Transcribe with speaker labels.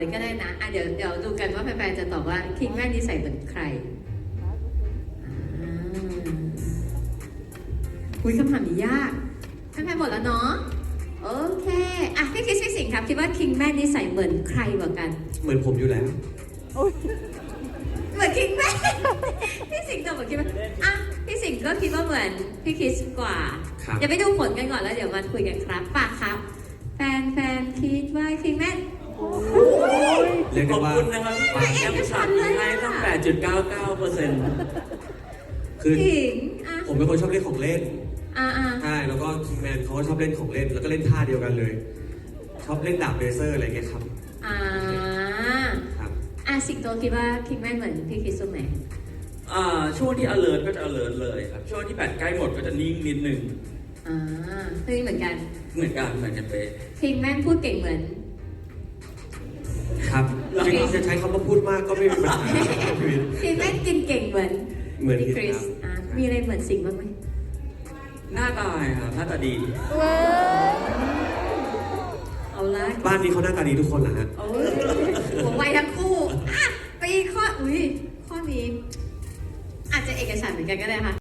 Speaker 1: ก็ได้นะเดี๋ยวดูกันว่าแฟนๆจะตอบว่าคิงแม่นิสัยเหมือนใครคุยคำถามนี้ยากแฟนๆหมดแล้วเนาะโอเคพี่คริสพี่สิงห์ครับคิดว่าคิงแม่นิสัยเหมือนใครกว่ากัน
Speaker 2: เหมือนผมอยู่แล้ว
Speaker 1: เหมือนคิงแม่พี่สิงห์ตอบเหมือนคิงแม่พี่สิงห์ก็คิดว่าเหมือนพี่คริสกว่าเดี๋ยวไปดูผลกันก่อนแล้วเดี๋ยวมาคุยกันครับป่ะครับแฟนๆคิดว่าคิงแม่
Speaker 2: เรียกได้ว่า
Speaker 3: ขอบคุณนะครับแอมชันให้ตั้ง 8.99%
Speaker 2: คือผมเป็นคนชอบเล่นของเล่นใช่แล้วก็คิงแมนเขาก็ชอบเล่นของเล่นแล้วก็เล่นท่าเดียวกันเลยชอบเล่นดาบเลเซอร์อะไรเงี้ยครับ
Speaker 1: สิงโตคิดว่าคิงแมนเหมือนพี่คริสตรงไหน
Speaker 3: ช่วงที่ alert ก็จะ alert เลยครับช่วงที่แบตใกล้หมดก็จะนิ่งนิดนึง
Speaker 1: นี่เหมือนกัน
Speaker 3: เป๊ะ
Speaker 1: คิงแมนพูดเก่งเหมือน
Speaker 2: ครับจริงๆจะใช้คำว่าพูดมากก็ไม่มีปัญหา
Speaker 1: คิงแมนกินเก่งเหมือนพี่คริสมีอะไรเหมือนสิงบ้างไหม
Speaker 3: หน้าตาครับหน้าตาดี
Speaker 1: เอาละ
Speaker 2: บ้านนี้เขาหน้าตาดีทุกคนเหรอฮะ
Speaker 1: ผมไวทั้งคู่ไปข้อนี้อาจจะเอกฉันท์เหมือนกันก็ได้ค่ะ